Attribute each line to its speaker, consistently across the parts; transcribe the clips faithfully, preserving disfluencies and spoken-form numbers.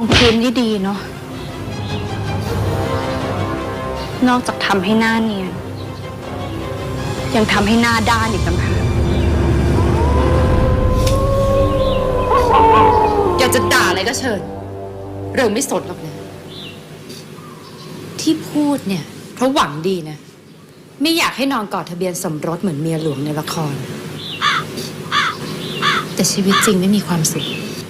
Speaker 1: พื้นที่ดีเนาะนอกจากทำให้หน้าเนียนยังทำให้หน้าด้านอีกต่างหากอยากจะด่าอะไรก็เชิญเรื่องไม่สนหรอกนะที่พูดเนี่ยเพราะหวังดีนะไม่อยากให้นอนกอดทะเบียนสมรสเหมือนเมียหลวงในละครแต่ชีวิตจริงไม่มีความสุข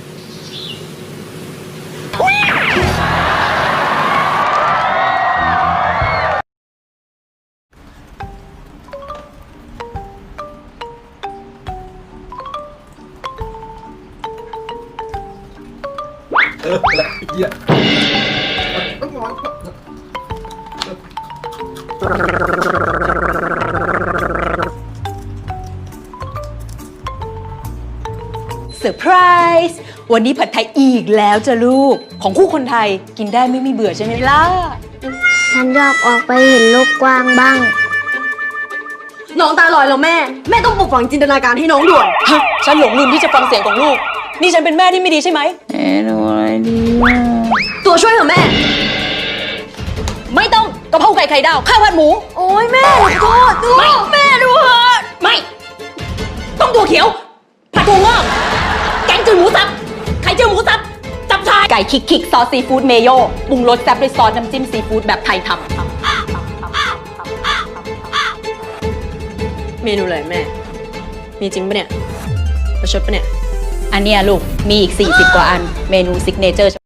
Speaker 2: เออละเหี้ยต้องร้อน
Speaker 3: เซอร์ไพรส์วันนี้ผัดไทยอีกแล้วจ้ะลูกของคู่คนไทยกินได้ไม่มีเบื่อใช่ไหมล่ะ
Speaker 4: ฉันอยากออกไปเห็นโลกกว้างบ้าง
Speaker 5: น้องตาลอยแล้วแม่ แม่ต้องปลุกฝังจินตนาการให้น้องด่วน
Speaker 3: ฮะฉันหลงลืมที่จะฟังเสียงของลูกนี่ฉันเป็นแม่ที่ไม่ดีใช่ไหม
Speaker 1: เอ๊ะดูอะไรดีวะ
Speaker 5: ตัวช่วยเถอะแม่
Speaker 3: ไม่ต้องกะเพราไก่ไข่ดาวข้าวผัดหมู
Speaker 5: โอ้ยแม่โทษดู
Speaker 3: ไม่แม่ดูเหอะไม่ต้องตัวเขียวผัดถั่วงอกแกงจืดหมูสับไข่เจียวหมูสับจับชายไก่คิกคิกซอสซีฟู้ดเมโยปรุงรสแซ่บด้วยซอสน้ำจิ้มซีฟู้ดแบบไทยทำ
Speaker 5: เมนูอะไรแม่ มีจริงปะเนี่ยประชดปะเนี่ย
Speaker 3: อันเนี้ยลูกมีอีกสี่สิบกว่าอันเมนูซิกเนเจอร์